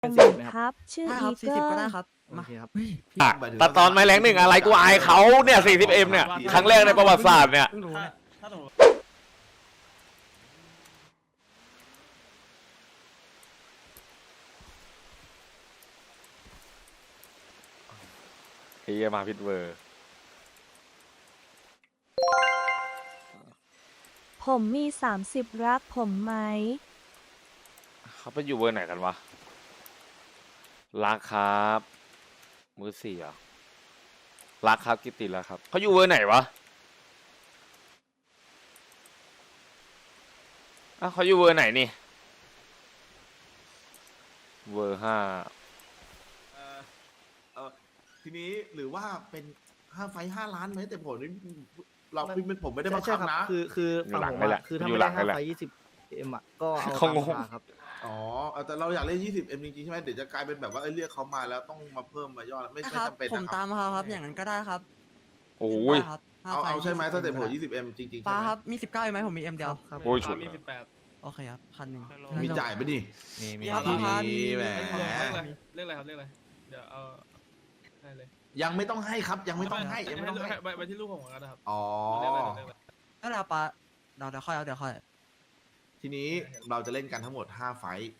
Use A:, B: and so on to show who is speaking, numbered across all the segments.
A: เป็น40ไหมครับ
B: ชื่อ
C: ได้ค
B: อี
C: รับ
B: เกิ
C: 40ก็
B: ล
C: ได้ครับ
A: โอ
C: มา
A: เคครับ
D: แต่ตอนไม้แรงหนึ่งอะไรกูอายเขาเนี่ย 40M เนี่ย ครั้งแรกในประวัติศาสตร์เนี่ย
C: เพิ่งรู้เนี่ย
E: ถ้าสมมติ
D: เฮียมาพิทเวอร์
B: ผมมี30รักผมไหม
D: เขาไปอยู่เวอร์ไหนกันวะรักครับมือสี่เหรอรักครับกิตติแล้วครับเขาอยู่เวอร์ไหนวะอ้าวเขาอยู่เวอร์ไหนนี่เวอร์5
F: ทีนี้หรือว่าเป็น5 ไฟต์ 5 ล้านไหมแต่ผมนี่เราผมไม่ได้บัง
A: ใช่
F: คับ
A: ครับ
F: นะ
A: คือ
D: อยู่
A: ฝั่ง
D: หลัง
A: ผม
D: นี่แหละ
A: อะคือถ้า
D: อยู่
A: ไม่
D: หลั
A: ได้
D: งนี่แหละ
A: 5 ไฟ 20M อ่ะก็เอา
D: เขา
A: ตาม
D: งง
A: ราคาครับ
F: อ๋อแต่เราอยากเล่น 20M จริงๆใช่ไหมเดี๋ยวจะกลายเป็นแบบว่าเรียกเขามาแล้วต้องมาเพิ่มมายอดไม่
C: ครับ
F: จำเป็น
C: ผม
F: นะค
C: ตา
F: รับ
C: มเขาครับอย่างนั้นก็ได้ครับ
D: โอ้ย
C: ได้ครับ5
F: เอาใช่ไหม
C: ไฟล์
F: ถ้าแต่ผม
C: ได้
F: 20M จริงๆ
C: ป้า
F: ใช่ไหม
C: ครับมี19ไหมผมมี M เดียว
A: ครับ
D: โอ้ยฉุด
E: มี
D: เลย
E: 18
C: โอเคครับ1,000
F: มีจ่ายปะนี่
C: มีครับประมาณ
F: มีแหม
E: เรียกอะไรครับเรียกอะไรเดี๋ยวเอาให้เลย
F: ยังไม่ต้องให้ครับยังไม่ต้องให้ยังไม่ต้องให้
E: ไปที่ลูกผมก่อนนะครับ
F: อ๋อ
E: เรียกอะไรเรียกอะไร
C: ก็แล้วป้าเดี๋ยวค่อยเอาเดี๋ยวค่อย
F: ทีนี้เราจะเล่นกันทั้งหมด5 ไฟต์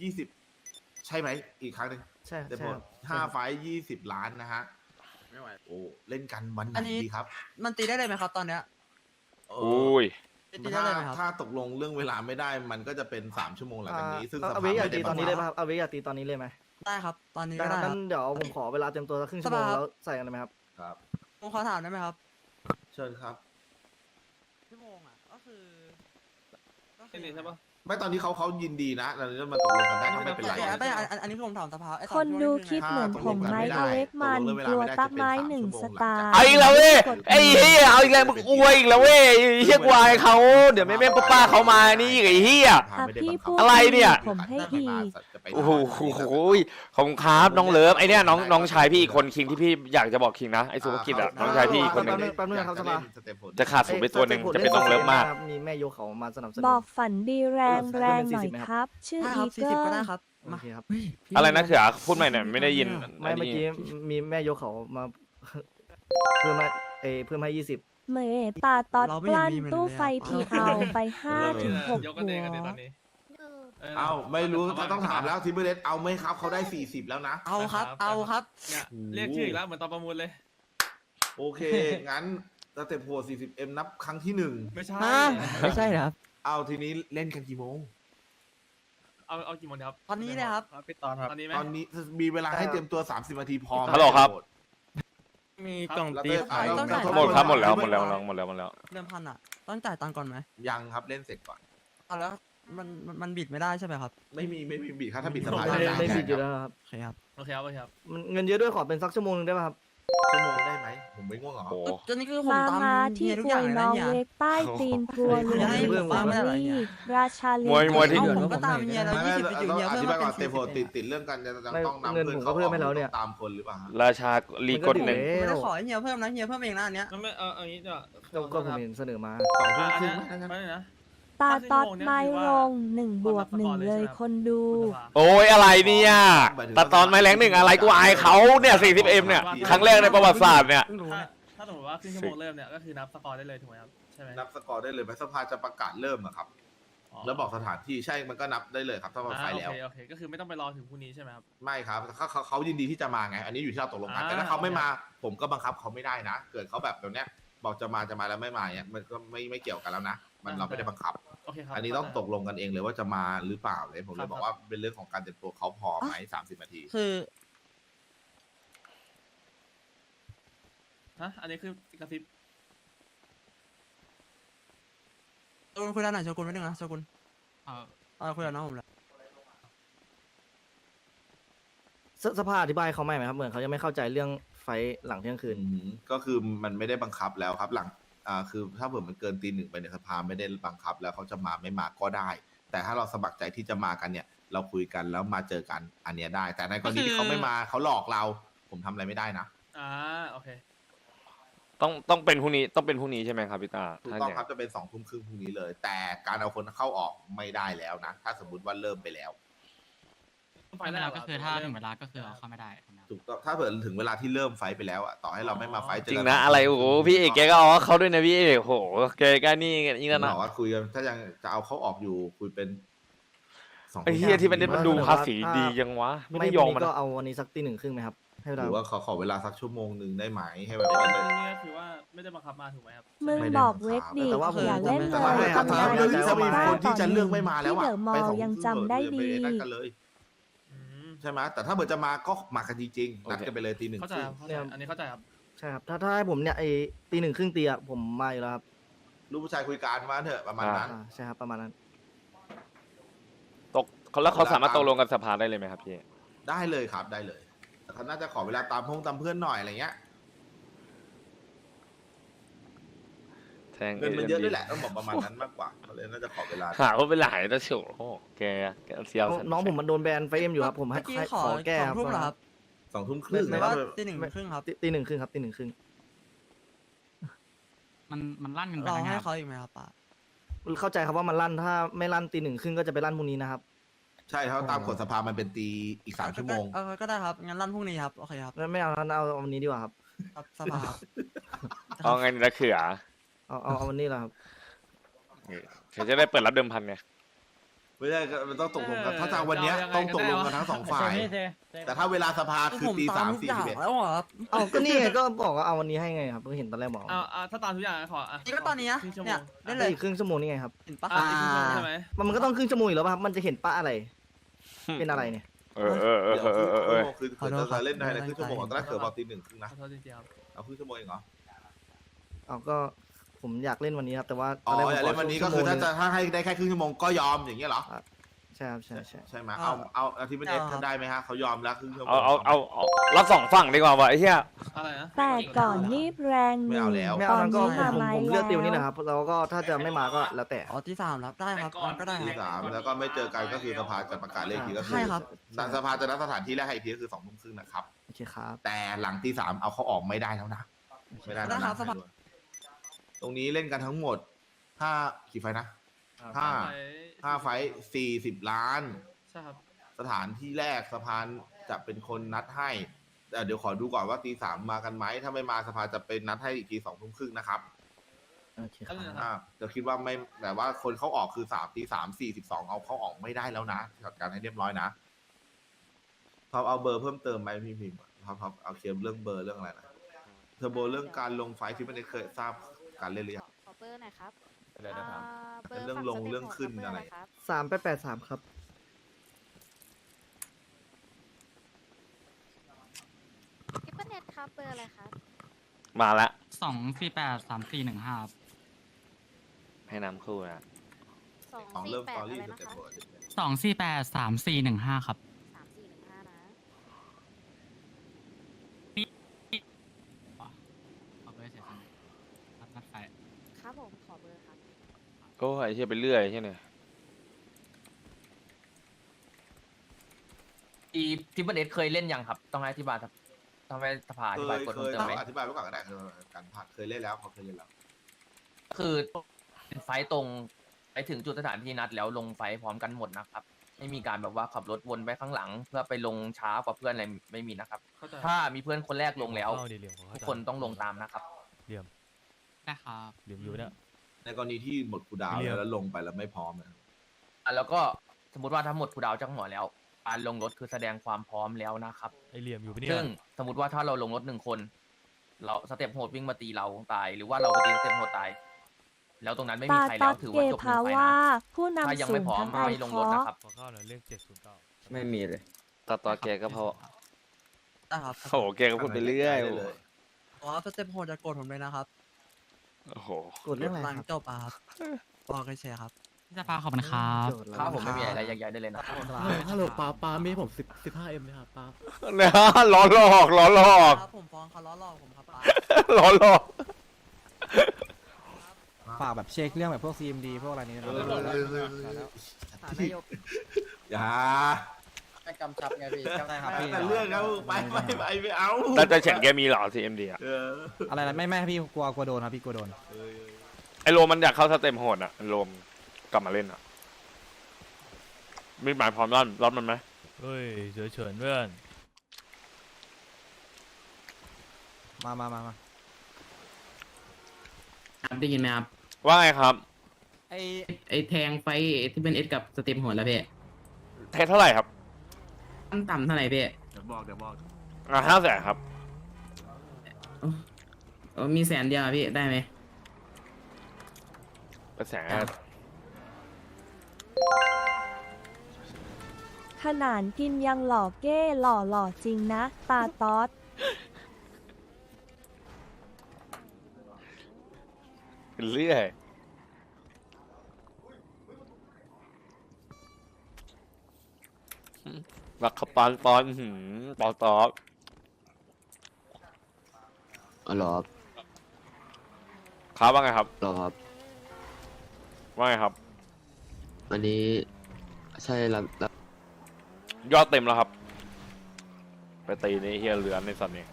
F: 20ใช่ไหมอีกครั้งหนึ่ง
A: ใช่
F: แต่
A: ใช่
F: ผม
A: ครับ
F: 5 ไฟต์20 ล้านนะฮะไม่ไหวโอ้เล่นกันวันไหนดีครับ
C: มันตีได้เลยไหมครับตอนเนี้ย
F: เอ
D: โอ้
F: อย
C: ตีได้เลยไหมครับ
F: ถ้าตกลงเรื่องเวลาไม่ได้มันก็จะเป็น3 ชั่วโมงหลังจากนี้ ซึ่งส
A: เอา
F: ภา
A: เวกอยาก
F: ไม่
A: ตี
F: ได้
A: ต
F: บั
A: อน
F: ง
A: นี้
F: คั
A: ได้
F: บ
A: ป่ะครับเอาเวกอยากตีตอนนี้เลยไหม
C: ได้ครับ ตอนนี้
A: ได้
C: ก็
A: ครับ
C: ได้ค
A: งั้
C: รับ
A: นเดี๋ยวผมขอเวลาเตรียมตัวสักครึ่งชั่วโมง
C: สบายครับ
A: แล้วใส่กันเลยไหมครับ
F: ครับ
C: ผมขอถามได้ไหมครับ
F: เชิญครับ
C: ชั่วโมงอ่ะก็คือ
E: นี่ใช่ปะ
F: ไม่ตอนนี้เขายินดีนะเราจะมาตกลงกันได้ก็ไม่เป็นไร
C: แต่ไม่อันนี้คือผมถามสภาไอ้ต
B: คน
C: ที่ว่า
B: ดูค
C: นี่อ
B: ลิป
C: ไง
B: เหมือนผมไหม
F: ตกลงกันไม่ได้
B: อเล็กมัน
F: ตกลงเวลาก
B: ลัว
F: ไม่ได้
B: ตักไม้
F: จะเป็น
B: 1
F: 3
B: ส
F: ชั่วโมง
B: ตาร์
D: เอาอีกแล้วเว้ยไอ้เฮียเอาอีกแล้วมึงอวยอีกแล้วเว้ยไอ้เฮียกูอายเขาเดี๋ยวแม่ป้าเขามานี่อีกไอ้เฮีย
B: พี่พูด
D: อะไรเนี่ย
B: ผมให้อีก
D: โอ้โหขอบคุณครับน้องเลิฟไอเนี่ยน้องชายพี่อีกคนคิงที่พี่อยากจะบอกคิงนะไอสุภกิจอะน้องชายพี่อีกคนหนึ่ง
A: แป๊บนึงครับสภา
D: จะขาดศูนย์ไปตัวหนึ่งจะเป็นน้องเลิฟมาก
A: มีแม่โยกเขามาสนับสนุน
B: บอกฝันดีแรงแรงหน่อยครับ ชื่อ
C: ได้ค
B: อี
C: รับ
B: เกิ
C: 40ก็
B: ล
C: ได้ครับ
A: โอ
C: มา
A: เคครับ
D: อะไรนะเขือพูดใหม่หน่อยไม่ได้ยิน
A: ไม่เมื่อกี้มีแม่โยกเขามาเพิ่มมาเพิ่มให้20
B: เมตาตอด
C: เรา
B: ก
C: ไม่เห็น
B: ลั้น
C: มีมันเลย
B: ตู้
C: อะ
B: ไฟทีเอาไป5 ถึง 6
E: ยก
B: หั
E: กันเองกันเอง
B: ว
E: ตอนนี้
F: เอ้าไม่รู้ต้องถามแล้วทิมเบอร์เลสเอาไหมครับเขาได้40แล้วนะ
C: เอาครับ เอาครับ
E: เนี่ยเรียกชื่ออีกแล้วเหมือนตอนประมูลเลย
F: โอเค งั้นสเต็ปโหด 40M นับครั้งที่
E: ไม่ใช่
C: ไม่ใช่ครับ
F: 1เอาทีนี้เล่นกันกี่โมง
E: เอากี่โมงครับ
C: ตอนนี้เลยครับ
E: ปิดตอนครับตอนนี้ไหม
F: ตอนนี้มีเวลาให้เตรียมตัว30 นาทีพอ
D: ฮัลโหลครับ
E: มี
F: กล่องตี
C: ต้องจ่าย
D: หมดครับหมดแล้ว
C: เดิมพันอ่ะ ต้องจ่ายตังค์ก่อนไหม
F: ยังครับเล่นเสร็จก่อน
C: เอาแล้วมันบิดไม่ได้ใช่ไหมครับ
F: ไม่มีบิดครับถ้าบิดสบาย
A: ไม่ผิดอยู่แล้วครับ
C: โอเคครับ
E: โอเคครับโอเคครับ
A: มันเงินเยอะด้วยขอเป็นสักชั่วโมงนึงได้ป่ะครับ
F: ชั่วโมงได้ไหมผมไม่ง่วงเหรอ
D: โอ้
C: จนนี้คือผม
B: มา
C: ตาม
B: มา
C: เฮี
B: ที่
C: ยทุก
B: อ
C: อ
B: ว
C: ย่าง
B: ย
C: เลย
B: น้
C: นะ
B: อง
C: เนี่ย
B: เล็กใต้ตีนทัวร์
C: ไม่
B: ลุ
C: ได้
B: ย
C: เรื่องฟังไม่ได้อะไรเนี่ย
B: ราชาลี
D: มวยที่
C: เอาผมก็ตามเฮียแล้ว
F: ไม่
C: 20ไปอยู่
F: ต้อง
C: เฮีย
F: อ
C: เพิ่ม
F: ธิบาย
C: มา
F: ก่
C: เป็
F: อน
C: น
F: เตโฟ
C: 40
F: ติดเรื่องกันจะต้องนำ
A: เงิน
F: เพื่อน
A: ผมก็เพิ่มให้แล้วเนี่ย
F: ตามคนหรือเปล่าฮะ
D: ราชาลีกดหนึ่ง
C: ไม่ได้ขอให้เฮียเพิ่มนะเฮียเพิ่มเองนะอันเนี้ย
E: ไม่เอาอย่างนี้ดีกว่า
A: ก็ผมเห็นเสนอมา
F: 2 ทุ่ม
E: อัน
F: ครึ่
E: นี้
F: ง
E: ไม่นะ
B: ตาตอดไม้ลง1+1เลยคนดู
D: โอ้ยอะไรเนี่ยแต่ตอนไม้แรงหนึ่งอะไรกูอายเขาเนี่ย 40M เนี่ยครั้งแรกในประวัติศาสตร์เนี่ย
C: เพิ่งรู้เนี่ย
E: ถ้าสมมติว่าครึ่งชั่วโมงเริ่มเนี่ยก็คือนับสกอร์ได้เลยถูกไหมครับใช่ไหม
F: นับสกอร์ได้เลยไหมสภาจะประกาศเริ่มอะครับ แล้วบอกสถานที่ใช่มันก็นับได้เลยครับถ้ามันไฟแล้ว
E: โอเคก็คือไม่ต้องไปรอถึงพรุ่งนี้ใช่ไหมครับ
F: ไม่ครับเขายินดีที่จะมาไง อันนี้อยู่ที่เราตกลงกันแต่ถ้าเขาไม่มาผมก็บังคับเขาไม่ได้นะ เกิดเขาแบบแบบเนี้ยบอกจะมาแล้วไม่มาเนี่ยมันก็ไม่เกี่ยวกันแล้วนะมันเราไม่ได้บังคับ
E: โอเคครับ
F: อันนี้ต้องตกลงกันเองเลยว่าจะมาหรือเปล่าเลยผมเลยบอกว่าเป็นเรื่องของการเตรียมตัวเขาพอไหม30 นาที
C: คือ
E: ฮะอันนี้คือกระซิบ
C: โชกุนคุยด้านไหนโชกุนไม่ดึงนะโชกุนคุยกับน้องผมเลย
A: สภาอธิบายเขาไหมครับเหมือนเขายังไม่เข้าใจเรื่องไฟหลังเที่ยงคืน
F: ก็คือมันไม่ได้บังคับแล้วครับหลังคือถ้าเผื่อมันเกินตี 1ไปในสภาไม่ได้บังคับแล้วเขาจะมาไม่มาก็ได้ แต่ถ้าเราสมัครใจที่จะมากันเนี่ย เราคุยกันแล้วมาเจอกันอันเนี้ยได้ แต่ในกรณีที่เขาไม่มาเขาหลอกเรา ผมทำอะไรไม่ได้นะ
E: โอเค
D: ต้องเป็นพรุ่งนี้ใช่ไหมครับพี่ตา
F: ถูกต้องครับจะเป็น2 ทุ่มครึ่งพรุ่งนี้เลย แต่การเอาคนเข้าออกไม่ได้แล้วนะ ถ้าสมมติว่าเริ่มไปแล้ว
E: ไฟ
G: เว
E: แร
G: ลาก ก็คือถ้าถึงเวลาก็คือเอาเข้าไม่ได้ครับ
F: ถูกต้องถ้าเผื่อถึงเวลาที่เริ่มไฟท์ไปแล้วอะต่อให้เราไม่มาไฟท์เจ
D: จริง
F: กั
D: นะอะไรโอ้โหพี่เอกแกก็เอาเขาด้วยนะพี่เอกโหแกก็นี่อีกแล้ว
F: บ
D: นะ
F: อกว่าคุยกันถ้ายังจะเอาเขาออกอยู่คุยเป็น2
D: ไอ้เฮียที่มันมันดูภาษีดียังวะไม่ได้ยอม
A: วั
D: มัน
A: ก็
D: อะ
A: เอาวันนี้สักตีหนึ่งครึ่งไหมครับให้เว
F: ห
A: ลา
F: รือว่าขอเวลาสักชั่วโมงหนึ่งได้ไหมให้แบบ
E: อั
F: ว่าน
E: นี้ก็คือว่าไม่ได้บังคับมาถูกไหมครับ
B: มึง
F: ไม่ได้
B: บอก
F: บังคับ
B: เวทดิ
A: แต่ว่าผม
B: อย่าเล่น
F: แต่
B: เล
F: ว่าให้
B: ย
F: ครับ
B: ทำ
F: ถ้า
B: ลาย
F: เรื่องที่จะมีคนที่จะ
B: ต่
F: เลือกไม่มาแล้ว
B: ที่
F: อะ
B: เดอะมอ
F: ไป
B: ล
F: 2
B: ล์ยังจำได้ดี
F: นั่นกันเลย
E: อืม
F: ใช่ไหมแต่ถ้าเผื่อจะมาก็มากันจริงๆนัดกันไปเลยตี 1
E: เข้าใจครับเข้าใจอันนี้เข้าใจครับ
A: ใช่ครับถ้าให้ผมเนี่ยไอ้ตีหนึ่งครึ่งตีอะผมมาอยู่แล้วครับ
F: ลูกผู้ชายคุยกันมาเถอะประมาณนั้น
A: ใช่ครับประมาณนั้น
D: ตกแล้วเขาสามารถตกลงกับสภาได้เลยไหมครับพี่
F: ได้เลยครับได้เลยแต่เขาน่าจะขอเวลาตามเพื่อนหน่อยอะไรเงี้ย
D: แทง
F: เงินมันเยอะด้วยแหละต้องบอกประมาณนั้นมากกว่าเขาเลยน่าจะขอเวลา
D: หาว่าเป็นหลายแต่โฉแกเสียว
A: น้องผมมันโดนแบนไฟเอ็มอยู่ครับผมให้
C: เมื่อกี้
A: ให้
C: ขอ
A: ขอแก้
C: 2 ทุ่มเหรอครับ
F: 2 ทุ่มครึ่ง
C: หรือ
F: นะค
C: ว่า
F: รับ
C: ตี 1 ครึ่งครับ
A: ตีหนึ่งครึ่งครับตีหนึ่งครึ่ง
G: มันลั่นกันไป
C: รอ
G: แล้วไง
C: ให้
G: ครับ
C: เขาอีกไหมครับป้า
A: เข้าใจครับว่ามันลั่นถ้าไม่ลั่นตีหนึ่งครึ่งก็จะไปลั่นพรุ่งนี้นะครับ
F: ใช่เขาตามกฎสภามันเป็นตีอีก3 ชั่วโมง
C: ก็ได้ครับงั้นลั่นพรุ่งนี้ครับโอเคครับ
A: ไม่เอาเอาวันนี้ดีกว่าครับ
C: ครับสภาครับ
D: เอาไงละเขือ
A: เอาวันนี้แหละครับ
D: เขาจะได้เปิดรับเดิมพันไง
F: ไม่ใช่ก็มันต้องตกลงกันถ้าจะวันเนี้ยต้องตกลงกันทั้ง2 ฝ่าย แต่ถ้าเวลาสภาคือ
C: ผม
F: ตี
C: ตาม
F: 3
C: ทุกอย่าง
F: 41
C: แล้วเหรอครับ
A: เอาก็นี่ไงก็บอกว่าเอาวันนี้ให้ไงครับก็เห็นตอนแรกบอก
E: ถ้าตามทุกอย่างขอ
C: นี่ก็ตอนนี้นะ
E: ครึ่งชั่วโม
C: เนี่ย
E: ง
C: ได้เล
A: ได้
C: ย
A: อีกครึ่งชั่วโมงนี่ไงครับ
C: เห็นปะ
E: อีกครึ่งชั่วโมงใช่ไหม
A: มันก็ต้องครึ่งชั่วโมงอยู่แล้วป่ะครับมันจะเห็นป้าอะไร เป็นอะไรเนี่ย
F: เดี๋ยวครึ่งชั่วโมงคือจะเล่นได้ในครึ่งชั่วโมงตอนแรกเกิดบอกตี 1 ครึ่งนะ
E: ขอโทษจริงๆครับ
F: เอาครึ่งชั่วโมงเองเหรอ
A: เอาก็ผมอยากเล่นวันนี้ครับแต่ว่า
F: อ๋อ
A: ตแรกผม
F: อย่าเล่นวันนี้ก็คือถ้าให้ได้แค่ครึ่งชั่วโมงก็ยอมอย่างเงี้ยเหรอ
A: ใช่ครับใช่
F: ใช่ไหมเอาอาทิตย์เป็นเอสได้ไหมฮะเขายอมแล้วครึ่งชั่วโมง
D: เอารับสองฝั่งดีกว่าวะไอ้เหี้ย
E: อะไรนะ
B: แต่ก่อนนี่แรงห
F: ไม่
B: นึ่
F: เอา
B: ง
F: แล้ว
A: ไม่เอานั้นก็
B: ตอนนี้
A: ผม
B: มา
A: ผมเลือก
B: แล้ว
A: ติวนี่นะครับแล้วก็ถ้าจะไม่มาก็แล้วแต่
C: อ๋อที่ 3ครับได้ครับก็ได้
F: ที่
C: ครับ
F: 3แล้วก็ไม่เจอกันก็คือสภาจะประกาศเลขทีก็คื
C: ใช่ครับ
F: สภาจะนัดสถานที่แรกให้อีกทีก็คือ2 ทุ่มครึ่งนะครับ
A: โอเคครับ
F: แต่หลังที่ 3เอาเขาออกไม่ได้แล้วนะไม่ได้
C: ได้
F: แล้ว
C: ครั
F: นะ
C: บสภา
F: ตรงนี้เล่นกันทั้งหมด5กี่ไฟนะ5ไฟ40 ล้าน
E: ใช่ครับ
F: สถานที่แรกสภาจะเป็นคนนัดให้แต่เดี๋ยวขอดูก่อนว่าตี 3มากันไหมถ้าไม่มาสภาจะเป็นนัดให้อีกที2 ทุ่มครึ่งนะครับ
A: โอเคครับ
F: จะคิดว่าไม่แต่ว่าคนเขาออกคือตี 3:42เอาเขาออกไม่ได้แล้วนะจัดการให้เรียบร้อยนะท็อปเอาเบอร์เพิ่มเติมไหมพี่พิมพ์ท็อปเอาเคลียร์เรื่องเบอร์เรื่องอะไรนะเทอร์โบเรื่องการลงไฟท์ที่ไม่ได้เคยทราบการเล่นหรือยัง
H: ขอเบอร์หน่อยครับ
F: เป็นเรื่องลงเรื่องขึ้นอะไร
H: ครับ
A: 3883ครับ
H: ทิปเปิลเน็ตครับ เบอร์อะไรครับ
D: มาละ
G: 2483415ครับ
D: ให้น้ำคู่นะ
F: ของเริ่มสตอรี่
H: อะไร
F: ส
H: นะ
F: เต็ป
H: คะ
F: ปกติ
G: 2483415ครับ
H: 3415นะ
G: ขอเบอร์เสียสมัยนัดไฟ
H: ครับผม ขอเบอร์ครับ
D: โอ้ยไอ้เหี้ยไปเรื่อยใช่ไหม
I: ทิปเปิลเอสเคยเล่นยังครับ ต้องให้อธิบายครับต้องให้สภาอธิบายกฎ
F: เค
I: เพิ่ม
F: ย
I: เติมไหม
F: อธิบายไว้ก่อนก็ได้คือการผ่านเคยเล่นแล้วเขาเคยเล่นแล้ว
I: คือเป็นไฟต์ตรงไปถึงจุดสถานที่นัดแล้วลงไฟต์พร้อมกันหมดนะครับ ไม่มีการแบบว่าขับรถวนไปข้างหลัง เพื่อไปลงช้ากว่าเพื่อนอะไรไม่มีนะครับ
E: เข้าใจ
I: ถ้ามีเพื่อนคนแรกลงแล้วทุกคนต้องลงตามนะครับ
G: ได้ครับ
F: ในกรณีที่หมดคูลดาวน์แล้วลงไปแล้วไม่พร้อมนะ
I: แล้วก็สมมติว่าถ้าหมดคูลดาวน์จากหัวแล้วการลงรถคือแสดงความพร้อมแล้วนะครับซึ่งสมมติว่าถ้าเราลงรถ1 คน เราสเต็ปโหดวิ่งมาตีเราตาย หรือว่าเราไปตีสเต็ปโหดตาย แล้วตรงนั้นไม่มี
B: ตา
I: ใคร
B: ตอ
I: แล้
B: ด
I: วถือ
B: เก
I: ว่าจบห
B: ภา
I: นึ่งไฟ
B: ว่า
I: นะ
B: ผู้
I: ถ้าน
B: ำ
I: ยัง
B: สู
I: ไม่
B: ง
I: พร้อม
B: ทั้งไอ
I: ไม่ลง
B: ค
I: ร
B: อ
I: ถนะครับไม่มีเลย
D: ต่อแกก็พอ
C: ได้ครับ
D: โอ้โหแกก็พูดไปเรื่อย
F: ได้เลย
C: อ๋อสเต็ปโหดจะโกรธผมเลยนะครับ
D: โอ้โห
A: กดเรื่องอะไร
C: หลัง
A: ครับ
C: จบอะครับบอกกันเฉยครับ
G: ที่สภาขอบคุณครับ
A: โจทย์
I: ถ้าผมไม่มีอะไรใหญ่ๆได้เลยนะ
J: ฮัลโหลป้ามีผม15M นะครับป้า
D: เนี่ยล้อหลอกล้อหลอก
C: ครับผมฟ้องเขาล้อหลอกผมครับป้า
D: ล้อหลอก
J: ฝากแบบเช็คเรื่องแบบพวก CMD พวกอะไรนี้นะ
F: อย่า
I: ให้กำชับไงพี่
J: ได้ครับพี่
F: แต่เรื่องเขาไปไม่เอา
D: แล้วจะเฉินแกมีเหรอ CMD อ่ะ
J: อะไรนะไม่พี่กลัวโดนครับพี่กลัวโดน
D: ไอโรมมันอยากเข้าสเต็มโหดอ่ะโรมกลับมาเล่นอ่ะมีหมายพร้อมรอดมันไหม
E: เฮ้ยเฉยเฉินเพื่อน
J: มา
K: ครับได้ยินไหมครับ
D: ว่าไงครับ
K: ไอแทงไฟที่เป็นเอสกับสเต็ปหัวแล้วพี่
D: เทสเท่าไหร่ครับ
K: ขั้นต่ำเท่าไหร่พี่
F: เดี๋ยวบอก
D: 500,000ครับ
K: มีแสนเดียวอะพี่ได้ไหม
D: เป็นแสน
B: ขนาดกินยังหล่อเก้หล่อจริงนะ ตาต๊อด
D: เป็นเรื่อยรักขปานปอนปอตอบ
K: อ๋อหรอ
D: ครับว่าไงครับ
K: หรอครับ
D: ว่าไงครับ
K: อันนี้ใช่รับ
D: ยอดเต็มแล้วครับ ไปตีในเฮียเหลือนในสัตว์นี้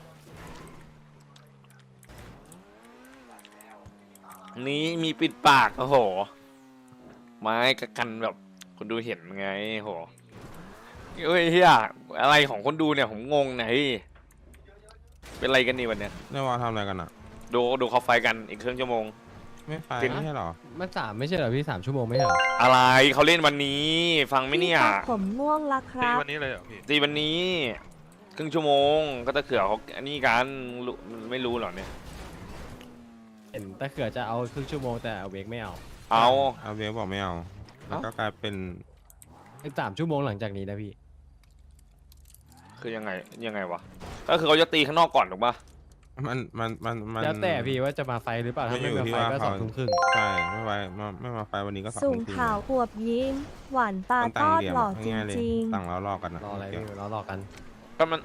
D: นี้มีปิดปากโอ้โห ไม้กระกันแบบคนดูเห็นไงโหเฮ้ยเฮียอะไรของคนดูเนี่ยผมงงนะเฮ้ยเป็นอะไรกันนี่วันเนี้ย
C: นี่ว่าทำอะไรกันอ่ะ
D: ดูเขาไฟกันอีกครึ่งชั่วโมง
C: ไม่ไป
D: จริง
C: ไม่ใช่หรอ
J: มัน3ไม่ใช่เหรอพี่3 ชั่วโมงไม่ใช่เหรอ
D: อะไรเขาเล่นวันนี้ ฟังไหมเนี่ย
B: พี่ครับผมง่วงละครับ
E: วันนี้เลยเหรอพี่
D: ตีวันนี้ครึ่งชั่วโมงก็ตะเขื่อเขาอันนี้กันไม่รู้หรอเนี่ย
J: เห็นแต่เขือจะเอาครึ่งชั่วโมงแต่เวกไม่เอา
D: เอา
C: เอาเวฟบอกไม่เอา แล้วก็กลายเป็น
J: อีก3 ชั่วโมงหลังจากนี้นะพี่
D: คือยังไงวะก็คือเขาจะตีข้างนอกก่อนถูกปะ
C: มัน
J: แล้วแต่พี่ว่าจะมาไฟหรือเปล่าถ้าไม่มาไฟก็2 ทุ่มครึ่ง
C: ใช่ไม่มาไฟวันนี้ก็2
B: สู
C: ทุ่
B: ง
C: มครึ่ง
B: ขาวอวบยิ้ม หวานตา
C: มัน
B: ต
C: ต่าง
B: อด
C: เหลี่ยม
B: หล่อจ
C: ง่ายๆเลย
B: ริง
C: ต่างแล้วรอกันนะ
J: รออะไรพี่รอกัน
D: ก็มัน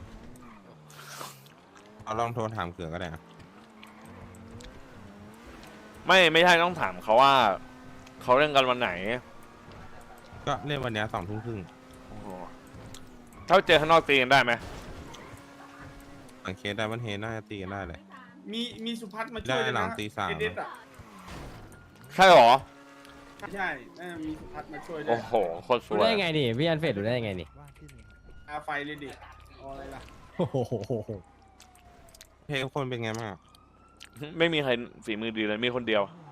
C: เอาลองโทรถามเกือก็ได้นะ
D: ไม่ใช่ต้องถามเขาว่าเขาเล่นกันวันไหน
C: ก็เล่นวันนี้2 ทุ่มครึ่ง
D: โอ้โหถ้าเจอข้างนอกตีกันได้ไหม
C: สังเคสได้วันเฮน่าจะตีกันได้เลย
E: มีสุพัฒน์มาช่
C: ได้
E: วยด้วย
C: หลั
E: นะ
C: งตี 3
E: เด็ดอ่ะ
D: ใช่หรอ
E: ใช่มีสุพัฒน์มาช่วยด้ว
D: โอ้
E: ย
D: โหโคตรส
J: รู้
D: วย
J: ได้ไงนี่พี่อันเฟดรู้ได้ไงนี่
E: อาไฟเลยดิเอาอะไรล่ะ
J: โอ้โห
C: เพลงคนเป็นไงบ้างอะ
D: ไม่มีใครฝีมือดีเลยมีคนเดียว
C: อ